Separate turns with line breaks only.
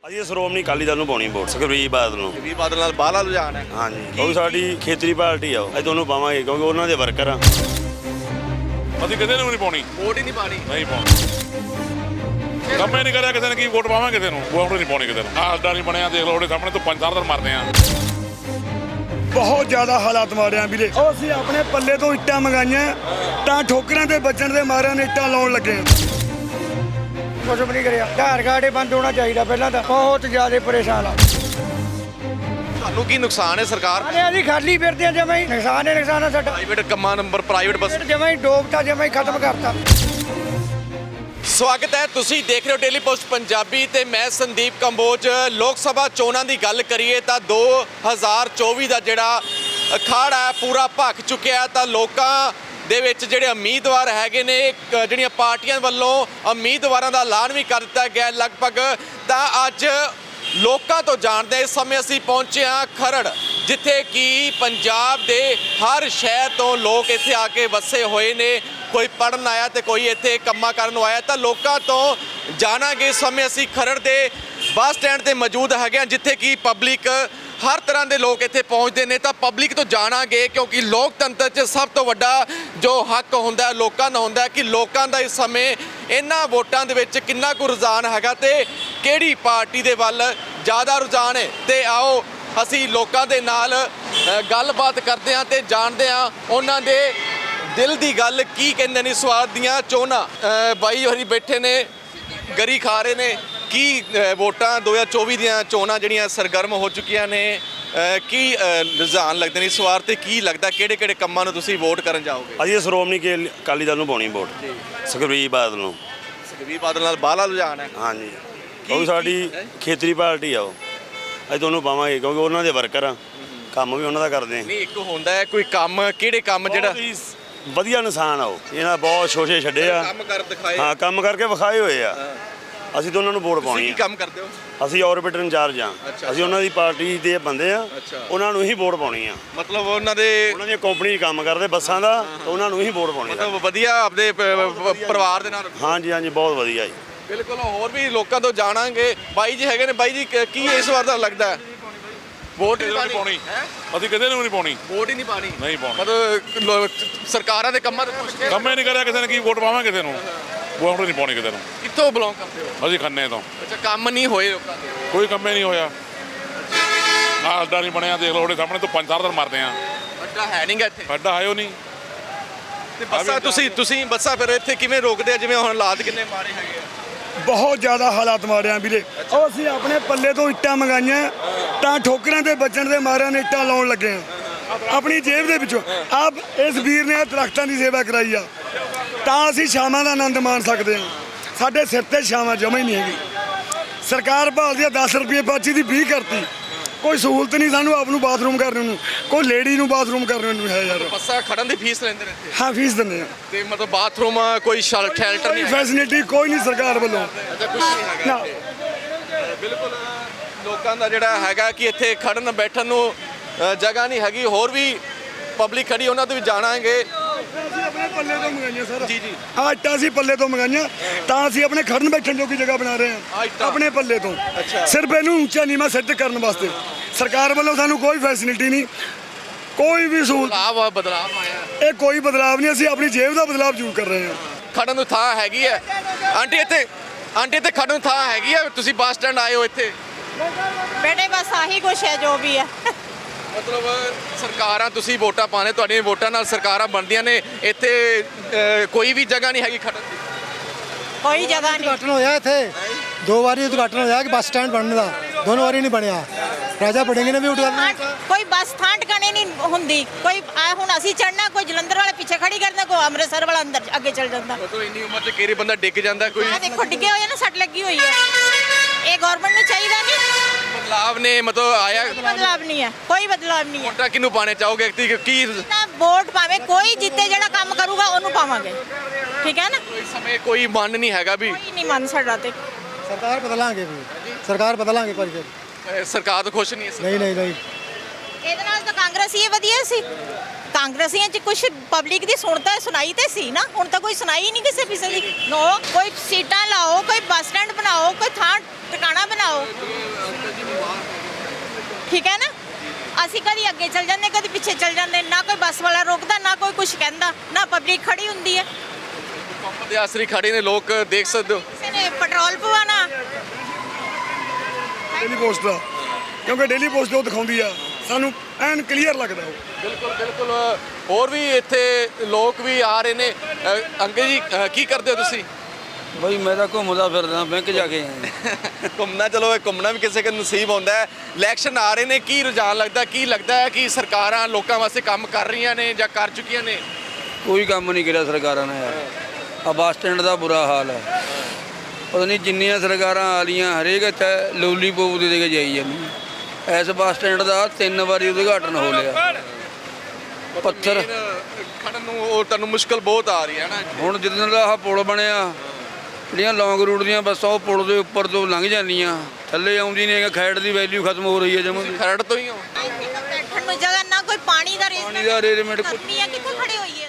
ਅਸੀਂ ਸ਼੍ਰੋਮਣੀ ਅਕਾਲੀ ਦਲ ਨੂੰ ਪਾਉਣੀ ਵੋਟ ਸੁਖਬੀਰ ਬਾਦਲ ਨੂੰ।
ਸੁਖਬੀਰ ਬਾਦਲ ਨਾਲ ਬਾਹਲਾ ਰੁਝਾਨ ਹੈ।
ਹਾਂਜੀ, ਉਹ ਸਾਡੀ ਖੇਤਰੀ ਪਾਰਟੀ ਆ, ਅਸੀਂ ਤੁਹਾਨੂੰ ਪਾਵਾਂਗੇ ਕਿਉਂਕਿ ਉਹਨਾਂ ਦੇ ਵਰਕਰ ਆ।
ਅਸੀਂ ਕਿਸੇ ਨੂੰ ਨਹੀਂ ਪਾਉਣੀ,
ਵੋਟ ਹੀ ਨਹੀਂ ਪਾਣੀ।
ਨਹੀਂ ਪਾਉਣੀ। ਕੰਮ ਹੀ ਨਹੀਂ ਕਰਿਆ ਕਿਸੇ ਨੇ, ਕੀ ਵੋਟ ਪਾਵਾਂਗੇ ਕਿਸੇ ਨੂੰ? ਵੋਟ ਨਹੀਂ ਪਾਉਣੀ ਕਿਸੇ ਨੂੰ। ਆਸਡਾ ਨਹੀਂ ਬਣਿਆ, ਦੇਖ ਲਓ ਉਹਦੇ ਸਾਹਮਣੇ ਤੋਂ 5-4 ਦਿਨ ਮਰਦੇ ਆ।
ਬਹੁਤ ਜ਼ਿਆਦਾ ਹਾਲਾਤ ਮਾੜੇ ਆ ਵੀਰੇ। ਉਹ ਅਸੀਂ ਆਪਣੇ ਪੱਲੇ ਤੋਂ ਇੱਟਾਂ ਮੰਗਾਈਆਂ ਤਾਂ ਠੋਕਰਾਂ ਦੇ ਵੱਜਣ ਦੇ ਮਾਰਿਆਂ ਨੇ ਇੱਟਾਂ ਲਾਉਣ ਲੱਗੇ ਆ। ਕੁਝ ਵੀ ਨਹੀਂ ਕਰਿਆ। ਆਧਾਰ ਕਾਰਡ ਹੀ ਬੰਦ ਹੋਣਾ ਚਾਹੀਦਾ ਪਹਿਲਾਂ ਤਾਂ। ਬਹੁਤ ਜ਼ਿਆਦਾ ਪਰੇਸ਼ਾਨ ਆ।
ਤੁਹਾਨੂੰ ਕੀ ਨੁਕਸਾਨ ਹੈ ਸਰਕਾਰ?
ਅਸੀਂ ਖਾਲੀ ਫਿਰਦੇ ਆ, ਜਮਾਂ ਹੀ ਨੁਕਸਾਨ ਆ ਸਾਡਾ।
ਪ੍ਰਾਈਵੇਟ ਕੰਮਾਂ ਨੰਬਰ ਪ੍ਰਾਈਵੇਟ ਬੱਸ
ਜਮਾਂ ਹੀ ਡੋਬਤਾ, ਜਮਾਂ ਹੀ ਖਤਮ ਕਰਤਾ।
ਸਵਾਗਤ ਹੈ, ਤੁਸੀਂ ਦੇਖ ਰਹੇ ਹੋ ਡੇਲੀ ਪੋਸਟ ਪੰਜਾਬੀ ਤੇ ਮੈਂ ਸੰਦੀਪ ਕੰਬੋਜ। ਲੋਕ ਸਭਾ ਚੋਣਾਂ ਦੀ ਗੱਲ ਕਰੀਏ ਤਾਂ 2024 ਦਾ ਜਿਹੜਾ ਅਖਾੜਾ ਹੈ ਪੂਰਾ ਭਖ ਚੁੱਕਿਆ। ਤਾਂ ਲੋਕਾਂ ਦੇ ਵਿੱਚ ਜਿਹੜੇ ਉਮੀਦਵਾਰ ਹੈਗੇ ਨੇ, ਜਿਹੜੀਆਂ ਪਾਰਟੀਆਂ ਵੱਲੋਂ ਉਮੀਦਵਾਰਾਂ ਦਾ ਐਲਾਨ ਵੀ ਕਰ ਦਿੱਤਾ ਗਿਆ ਲਗਭਗ। ਤਾਂ ਅੱਜ ਲੋਕਾਂ ਤੋਂ ਜਾਣਦੇ ਇਸ ਸਮੇਂ ਅਸੀਂ ਪਹੁੰਚੇ ਹਾਂ ਖਰੜ, ਜਿੱਥੇ ਕਿ ਪੰਜਾਬ ਦੇ ਹਰ ਸ਼ਹਿਰ ਤੋਂ ਲੋਕ ਇੱਥੇ ਆ ਕੇ ਵਸੇ ਹੋਏ ਨੇ। ਕੋਈ ਪੜ੍ਹਨ ਆਇਆ ਤੇ ਕੋਈ ਇੱਥੇ ਕੰਮਾਂ ਕਰਨ ਨੂੰ ਆਇਆ। ਤਾਂ ਲੋਕਾਂ ਤੋਂ ਜਾਣਾਂਗੇ। ਇਸ ਸਮੇਂ ਅਸੀਂ ਖਰੜ ਦੇ ਬੱਸ ਸਟੈਂਡ ਤੇ ਮੌਜੂਦ ਹੈਗੇ ਹਾਂ, ਜਿੱਥੇ ਕਿ ਪਬਲਿਕ ਹਰ ਤਰ੍ਹਾਂ ਦੇ ਲੋਕ ਇੱਥੇ ਪਹੁੰਚਦੇ ਨੇ। ਤਾਂ ਪਬਲਿਕ ਤੋਂ ਜਾਣਾਂਗੇ, ਕਿਉਂਕਿ ਲੋਕਤੰਤਰ 'ਚ ਸਭ ਤੋਂ ਵੱਡਾ ਜੋ ਹੱਕ ਹੁੰਦਾ ਲੋਕਾਂ ਦਾ ਹੁੰਦਾ ਕਿ ਲੋਕਾਂ ਦਾ ਇਸ ਸਮੇਂ ਇਹਨਾਂ ਵੋਟਾਂ ਦੇ ਵਿੱਚ ਕਿੰਨਾ ਕੁ ਰੁਝਾਨ ਹੈਗਾ ਤੇ ਕਿਹੜੀ ਪਾਰਟੀ ਦੇ ਵੱਲ ਜ਼ਿਆਦਾ ਰੁਝਾਨ ਹੈ। ਤੇ ਆਓ ਅਸੀਂ ਲੋਕਾਂ ਦੇ ਨਾਲ ਗੱਲਬਾਤ ਕਰਦੇ ਹਾਂ ਤੇ ਜਾਣਦੇ ਹਾਂ ਉਹਨਾਂ ਦੇ ਦਿਲ ਦੀ ਗੱਲ ਕੀ ਕਹਿੰਦੇ ਨੇ ਸਵਾਦ ਦੀਆਂ ਚੋਣਾਂ। ਬਾਈ ਹੋਰੀ ਬੈਠੇ ਨੇ, ਗਰੀ ਖਾ ਰਹੇ ਨੇ। ਕੀ ਵੋਟਾਂ 2024 ਦੀਆਂ ਚੋਣਾਂ ਜਿਹੜੀਆਂ ਸਰਗਰਮ ਹੋ ਚੁੱਕੀਆਂ ਨੇ, ਕੀ ਰੁਝਾਨ ਲੱਗਦੇ ਨੇ ਇਸ ਵਾਰ ਤੇ ਕੀ ਲੱਗਦਾ ਕਿਹੜੇ ਕਿਹੜੇ ਕੰਮਾਂ ਨੂੰ ਤੁਸੀਂ ਵੋਟ ਕਰਨ ਜਾਓਗੇ?
ਅਸੀਂ ਸ਼੍ਰੋਮਣੀ ਅਕਾਲੀ ਦਲ ਨੂੰ ਪਾਉਣੀ ਵੋਟ ਸੁਖਬੀਰ ਬਾਦਲ ਨੂੰ।
ਸੁਖਬੀਰ ਬਾਦਲ ਨਾਲ ਬਾਹਲਾ ਰੁਝਾਨ ਹੈ।
ਹਾਂਜੀ, ਉਹ ਸਾਡੀ ਖੇਤਰੀ ਪਾਰਟੀ ਆ, ਉਹ ਅਸੀਂ ਤੁਹਾਨੂੰ ਪਾਵਾਂਗੇ ਕਿਉਂਕਿ ਉਹਨਾਂ ਦੇ ਵਰਕਰ ਆ। ਕੰਮ ਵੀ ਉਹਨਾਂ ਦਾ ਕਰਦੇ ਆ।
ਨਹੀਂ, ਇੱਕ ਹੁੰਦਾ ਹੈ ਕੋਈ ਕੰਮ, ਕਿਹੜੇ ਕੰਮ ਜਿਹੜਾ
ਵਧੀਆ ਇਨਸਾਨ ਆ ਉਹ। ਇਹਨਾਂ ਬਹੁਤ ਸ਼ੋਸ਼ੇ ਛੱਡੇ ਆ,
ਕੰਮ ਕਰ ਦਿਖਾਏ।
ਹਾਂ, ਕੰਮ ਕਰਕੇ ਵਿਖਾਏ ਹੋਏ ਆ। ਅਸੀਂ ਤਾਂ ਉਹਨਾਂ ਨੂੰ ਵੋਟ ਪਾਉਣੀ
ਕੀ
ਆ।
ਕੰਮ ਕਰਦੇ ਹੋ?
ਅਸੀਂ ਆਰਬਿਟਰ ਇੰਚਾਰਜ ਆ। ਅਸੀਂ ਉਹਨਾਂ ਦੀ ਪਾਰਟੀ ਦੇ ਬੰਦੇ ਆ, ਉਹਨਾਂ ਨੂੰ ਹੀ ਵੋਟ ਪਾਉਣੀ ਆ।
ਮਤਲਬ ਉਹਨਾਂ
ਦੀਆਂ ਕੰਪਨੀ 'ਚ ਕੰਮ ਕਰਦੇ ਬੱਸਾਂ ਦਾ, ਤਾਂ ਉਹਨਾਂ ਨੂੰ ਹੀ ਵੋਟ ਪਾਉਣੀ ਆ।
ਮਤਲਬ ਵਧੀਆ ਆਪਦੇ ਪਰਿਵਾਰ ਦੇ ਨਾਲ।
ਹਾਂਜੀ ਹਾਂਜੀ, ਬਹੁਤ ਵਧੀਆ ਜੀ।
ਬਿਲਕੁਲ। ਹੋਰ ਵੀ ਲੋਕਾਂ ਤੋਂ ਜਾਣਾਂਗੇ। ਬਾਈ ਜੀ ਹੈਗੇ ਨੇ। ਬਾਈ ਜੀ, ਕੀ ਇਸ ਵਾਰ ਦਾ ਲੱਗਦਾ ਹੈ? ਵੋਟ
ਨਹੀਂ ਪਾਉਣੀ, ਅਸੀਂ ਕਿਸੇ ਨੂੰ ਨਹੀਂ ਪਾਉਣੀ।
ਵੋਟ ਹੀ ਨਹੀਂ ਪਾਣੀ।
ਨਹੀਂ ਪਾਉਣੀ।
ਮਤਲਬ ਸਰਕਾਰਾਂ ਦੇ ਕੰਮਾਂ ਤੋਂ ਪੁੱਛ ਕੇ
ਕੰਮ ਹੀ ਨਹੀਂ ਕਰਿਆ ਕਿਸੇ ਨੇ, ਕੀ ਵੋਟ ਪਾਵਾਂਗੇ ਕਿਸੇ ਨੂੰ? ਵੋਟ ਨਹੀਂ ਪਾਉਣੀ ਕਿਸੇ ਨੂੰ।
ਕਿੱਥੋਂ ਬਿਲੋਂਗ ਕਰਦੇ ਹੋ?
ਅਸੀਂ ਖੰਨੇ ਤੋਂ।
ਅੱਛਾ, ਕੰਮ ਨਹੀਂ ਹੋਏ ਲੋਕਾਂ ਦੇ?
ਕੋਈ ਕੰਮ ਹੀ ਨਹੀਂ ਹੋਇਆ। ਆਸਡਾ ਨਹੀਂ ਬਣਿਆ, ਦੇਖ ਲਓ ਉਹਦੇ ਸਾਹਮਣੇ ਤੋਂ 5-4 ਦਿਨ ਮਰਦੇ ਆ।
ਅੱਡਾ ਹੈ ਨਹੀਂਗਾ ਇੱਥੇ।
ਅੱਡਾ ਆਇਓ ਨਹੀਂ।
ਤੇ ਬੱਸਾਂ ਤੁਸੀਂ ਬੱਸਾਂ ਫਿਰ ਇੱਥੇ ਕਿਵੇਂ ਰੋਕਦੇ ਆ? ਜਿਵੇਂ ਹੁਣ ਹਾਲਾਤ ਕਿੰਨੇ ਮਾੜੇ ਹੈਗੇ ਆ।
ਬਹੁਤ ਜ਼ਿਆਦਾ ਹਾਲਾਤ ਮਾੜੇ ਆ ਵੀਰੇ। ਉਹ ਅਸੀਂ ਆਪਣੇ ਪੱਲੇ ਤੋਂ ਇੱਟਾਂ ਮੰਗਾਈਆਂ ਤਾਂ ਠੋਕਰਾਂ ਦੇ ਵੱਜਣ ਦੇ ਮਾਰਿਆਂ ਨੇ ਇੱਟਾਂ ਲਾਉਣ ਲੱਗੇ ਆ ਆਪਣੀ ਜੇਬ ਦੇ ਵਿੱਚੋਂ। ਆਪ ਇਸ ਵੀਰ ਨੇ ਦਰਖਤਾਂ ਦੀ ਸੇਵਾ ਕਰਾਈ ਆ ਤਾਂ ਅਸੀਂ ਛਾਵਾਂ ਦਾ ਆਨੰਦ ਮਾਣ ਸਕਦੇ ਹਾਂ। ਸਾਡੇ ਸਿਰ ਤੇ ਛਾਵਾਂ ਜਮਾ ਹੀ ਨਹੀਂ ਹੈਗੀ। ਸਰਕਾਰ ਭਾਲਦੀ ਆ 10 ਰੁਪਏ ਪਰਚੀ ਦੀ 20 ਕਰਤੀ। ਕੋਈ ਸਹੂਲਤ ਨਹੀਂ ਸਾਨੂੰ ਆਪ ਨੂੰ ਬਾਥਰੂਮ ਕਰਨ ਨੂੰ, ਕੋਈ ਲੇਡੀ ਨੂੰ ਬਾਥਰੂਮ ਕਰਨ ਨੂੰ ਹੈ ਯਾਰ।
ਬੱਸਾਂ ਖੜਨ ਦੀ ਫੀਸ ਲੈਂਦੇ ਨੇ ਇੱਥੇ?
ਹਾਂ, ਫੀਸ ਦਿੰਦੇ ਆ।
ਤੇ ਮਤਲਬ ਬਾਥਰੂਮ ਕੋਈ ਸ਼ੈਲਟਰ ਨਹੀਂ,
ਫੈਸਿਲਿਟੀ ਕੋਈ ਨਹੀਂ ਸਰਕਾਰ ਵੱਲੋਂ।
ਅੱਛਾ, ਕੁਝ ਨਹੀਂ ਹੈਗਾ ਇੱਥੇ। ਬਿਲਕੁਲ। ਲੋਕਾਂ ਦਾ ਜਿਹੜਾ ਹੈਗਾ ਕਿ ਇੱਥੇ ਖੜਨ ਬੈਠਣ ਨੂੰ ਜਗ੍ਹਾ ਨਹੀਂ ਹੈਗੀ। ਹੋਰ ਵੀ ਪਬਲਿਕ ਖੜੀ, ਉਹਨਾਂ ਤੋਂ ਵੀ ਜਾਣਾਂਗੇ।
ਅਸੀਂ ਆਪਣੇ ਪੱਲੇ ਤੋਂ ਮੰਗਾਈਆਂ ਸਰ।
ਜੀ ਜੀ।
ਆਹ ਇੱਟਾਂ ਅਸੀਂ ਪੱਲੇ ਤੋਂ ਮੰਗਾਈਆਂ ਤਾਂ ਅਸੀਂ ਆਪਣੇ ਖੜਨ ਬੈਠਣ ਜੋਗੀ ਜਗ੍ਹਾ ਬਣਾ ਰਹੇ ਹਾਂ ਆਪਣੇ ਪੱਲੇ ਤੋਂ। ਸਿਰਫ ਇਹਨੂੰ ਉੱਚਾ ਨੀਵਾਂ ਸੈੱਟ ਕਰਨ ਵਾਸਤੇ ਸਰਕਾਰ ਵੱਲੋਂ ਸਾਨੂੰ ਕੋਈ ਫੈਸਿਲਿਟੀ ਨਹੀਂ, ਕੋਈ ਵੀ ਸਹੂਲਤ।
ਬਦਲਾਵ ਆਇਆ।
ਇਹ ਕੋਈ ਬਦਲਾਵ ਨਹੀਂ, ਅਸੀਂ ਆਪਣੀ ਜੇਬ ਦਾ ਬਦਲਾਵ ਜ਼ਰੂਰ ਕਰ ਰਹੇ ਹਾਂ।
ਖੜਨ ਨੂੰ ਥਾਂ ਹੈਗੀ ਹੈ ਆਂਟੀ ਇੱਥੇ ਖੜਨ ਨੂੰ ਥਾਂ ਹੈਗੀ ਹੈ? ਤੁਸੀਂ ਬੱਸ ਸਟੈਂਡ ਆਏ ਹੋ ਇੱਥੇ?
बेटे बस आही कुछ है जो भी है।
ਮਤਲਬ ਸਰਕਾਰਾਂ ਤੁਸੀਂ ਵੋਟਾਂ ਪਾਣੇ, ਤੁਹਾਡੀਆਂ ਵੋਟਾਂ ਨਾਲ ਸਰਕਾਰਾਂ ਬਣਦੀਆਂ ਨੇ। ਇੱਥੇ ਕੋਈ ਵੀ ਜਗ੍ਹਾ ਨਹੀਂ ਹੈਗੀ ਖੜਨ ਦੀ?
कोई जगह नहीं।
ਉਦਘਾਟਨ ਹੋਇਆ ਇੱਥੇ 2 ਵਾਰੀ ਉਦਘਾਟਨ ਹੋਇਆ ਕਿ ਬੱਸ ਸਟੈਂਡ ਬਣਨ ਦਾ, ਦੋਨੋਂ ਵਾਰੀ ਨਹੀਂ ਬਣਿਆ। ਰਾਜਾ ਬੜਿੰਗ ਨੇ ਵੀ ਉਦਘਾਟਨ
कोई बस थां टकाने नहीं हुंदी। कोई हुण असीं चढ़ना, कोई जलंधर वाले पीछे खड़ी करदा, कोई अमृतसर वाला अंदर अगे चल जांदा।
ਮਤਲਬ ਇੰਨੀ ਉਮਰ 'ਚ ਕਿਹੜੇ ਬੰਦਾ ਡਿੱਗ ਜਾਂਦਾ ਕੋਈ?
आ देखो डिगे होए ना, सट लगी हुई है। ये गवर्नमेंट ਨੂੰ ਚਾਹੀਦਾ ਨਹੀਂ।
ਬਦਲਾਵ ਨੇ ਮਤਲਬ ਆਇਆ।
ਬਦਲਾਵ ਨਹੀਂ ਹੈ, ਕੋਈ ਬਦਲਾਵ ਨਹੀਂ ਹੈ।
ਵੋਟਾਂ ਕਿਹਨੂੰ ਪਾਣੇ ਚਾਹੋਗੇ? ਕੀ
ਤਾਂ ਵੋਟ ਪਾਵੇ ਕੋਈ ਜਿੱਤੇ, ਜਿਹੜਾ ਕੰਮ ਕਰੂਗਾ ਉਹਨੂੰ ਪਾਵਾਂਗੇ। ਠੀਕ ਹੈ ਨਾ?
ਇਸ ਸਮੇਂ ਕੋਈ ਮਨ ਨਹੀਂ ਹੈਗਾ ਵੀ
ਕੋਈ ਨਹੀਂ ਮੰਨ ਸਾਡਾ ਤੇ।
ਸਰਕਾਰ ਬਦਲਾਂਗੇ ਵੀ, ਸਰਕਾਰ ਬਦਲਾਂਗੇ ਪਰ
ਸਰਕਾਰ ਤੋਂ ਖੁਸ਼ ਨਹੀਂ ਇਸ?
ਨਹੀਂ ਨਹੀਂ ਨਹੀਂ
ਇਹਦੇ ਨਾਲ ਤਾਂ ਕਾਂਗਰਸ ਹੀ ਵਧੀਆ ਸੀ। ਕਾਂਗਰਸੀਆਂ 'ਚ ਕੁਝ ਪਬਲਿਕ ਦੀ ਸੁਣਾਈ ਤੇ ਸੀ ਨਾ, ਹੁਣ ਤਾਂ ਕੋਈ ਸੁਣਾਈ ਨਹੀਂ ਕਿਸੇ ਦੀ। ਨੋ, ਕੋਈ ਸੀਟਾਂ ਲਾਓ, ਕੋਈ ਬੱਸ ਸਟੈਂਡ ਬਣਾਓ, ਕੋਈ ਥਾਂ ਟਿਕਾਣਾ ਬਣਾਓ, ਠੀਕ ਹੈ ਨਾ। ਅਸੀਂ ਕਦੀ ਅੱਗੇ ਚੱਲ ਜਾਂਦੇ, ਕਦੀ ਪਿੱਛੇ ਚੱਲ ਜਾਂਦੇ, ਨਾ ਕੋਈ ਬੱਸ ਵਾਲਾ ਰੋਕਦਾ, ਨਾ ਕੋਈ ਕੁਝ ਕਹਿੰਦਾ, ਨਾ ਪਬਲਿਕ ਖੜੀ ਹੁੰਦੀ ਹੈ।
ਪੰਪ ਦੇ ਆਸਰੀ ਖੜੇ ਨੇ ਲੋਕ, ਦੇਖ ਸਕਦੇ ਹੋ।
ਕਿਸੇ ਨੇ ਪੈਟਰੋਲ ਪਵਾਉਣਾ,
ਡੇਲੀ ਪੋਸਟ ਦਾ, ਕਿਉਂਕਿ ਡੇਲੀ ਪੋਸਟ ਉਹ ਦਿਖਾਉਂਦੀ ਆ ਸਾਨੂੰ ਐਨ ਕਲੀਅਰ ਲੱਗਦਾ ਉਹ।
ਬਿਲਕੁਲ ਬਿਲਕੁਲ। ਹੋਰ ਵੀ ਇੱਥੇ ਲੋਕ ਵੀ ਆ ਰਹੇ ਨੇ। ਅੰਕਲ ਜੀ ਕੀ ਕਰਦੇ ਹੋ ਤੁਸੀਂ?
ਬਈ ਮੈਂ ਤਾਂ ਘੁੰਮਦਾ ਫਿਰਦਾ, ਬੈਂਕ ਜਾ ਕੇ ਆਇਆ।
ਘੁੰਮਣਾ, ਚਲੋ ਇਹ ਘੁੰਮਣਾ ਵੀ ਕਿਸੇ ਨੂੰ ਨਸੀਬ ਹੁੰਦਾ ਹੈ। ਇਲੈਕਸ਼ਨ ਆ ਰਹੇ ਨੇ, ਕੀ ਰੁਝਾਨ ਲੱਗਦਾ, ਕੀ ਲੱਗਦਾ ਹੈ ਕਿ ਸਰਕਾਰਾਂ ਲੋਕਾਂ ਵਾਸਤੇ ਕੰਮ ਕਰ ਰਹੀਆਂ ਨੇ ਜਾਂ ਕਰ ਚੁੱਕੀਆਂ ਨੇ?
ਕੋਈ ਕੰਮ ਨਹੀਂ ਕਰਿਆ ਸਰਕਾਰਾਂ ਨੇ ਯਾਰ। ਆ ਬੱਸ ਸਟੈਂਡ ਦਾ ਬੁਰਾ ਹਾਲ ਹੈ। ਪਤਾ ਨਹੀਂ ਜਿੰਨੀਆਂ ਸਰਕਾਰਾਂ ਆ ਲੀਆਂ ਹਰੇਕ ਇੱਥੇ ਲੋਲੀਪੋਪ ਦੇ ਕੇ ਜਾਈ ਜਾਂਦੀ। ਇਸ ਬੱਸ ਸਟੈਂਡ ਦਾ 3 ਵਾਰੀ ਉਦਘਾਟਨ ਹੋ ਲਿਆ। ਪੱਥਰ
ਖੜਨ ਨੂੰ ਉਹ ਤੁਹਾਨੂੰ ਮੁਸ਼ਕਲ ਬਹੁਤ ਆ ਰਹੀ ਹੈ ਨਾ।
ਹੁਣ ਜਿੱਦਣ ਦਾ ਆਹ ਪੁਲ ਬਣਿਆ, ਜਿਹੜੀਆਂ ਲੌਂਗ ਰੂਟ ਦੀਆਂ ਬੱਸਾਂ ਉਹ ਪੁਲ ਦੇ ਉੱਪਰ ਤੋਂ ਲੰਘ ਜਾਂਦੀਆਂ, ਥੱਲੇ ਆਉਂਦੀ ਨਹੀਂ। ਖੈੜ ਦੀ ਵੈਲਿਊ ਖਤਮ ਹੋ ਰਹੀ ਹੈ ਜਮਾਂ।
ਖਰੜ ਤੋਂ ਹੀ ਹੋ?
ਬੈਠਣ ਨੂੰ ਜਗ੍ਹਾ ਨਾ, ਕੋਈ ਪਾਣੀ ਦਾ
ਪਾਣੀ ਦਾ ਅਰੇਂਜਮੈਂਟ
ਗਰਮੀ ਆ, ਕਿੱਥੇ ਖੜੇ ਹੋਈਏ